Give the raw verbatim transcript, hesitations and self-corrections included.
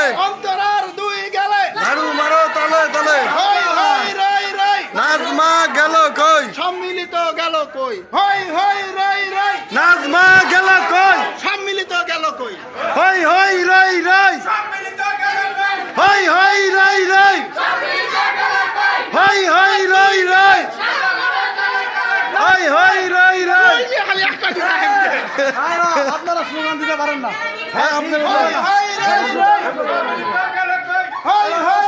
অন্তরার দুই গেলে ঝাড়ু মারো তলে তলে হই হই রই রই নাজমা গেল কই সম্মিলিত গেল কই হই হই রই রই নাজমা গেল কই সম্মিলিত গেল কই হই হই রই রই হই হই রই রই হই হই রই রই হই হই রই রই খালি একটা দিন আপনারা স্লোগান দিতে পারেন না। হ্যাঁ আপনারা হই হই রই রই হই হই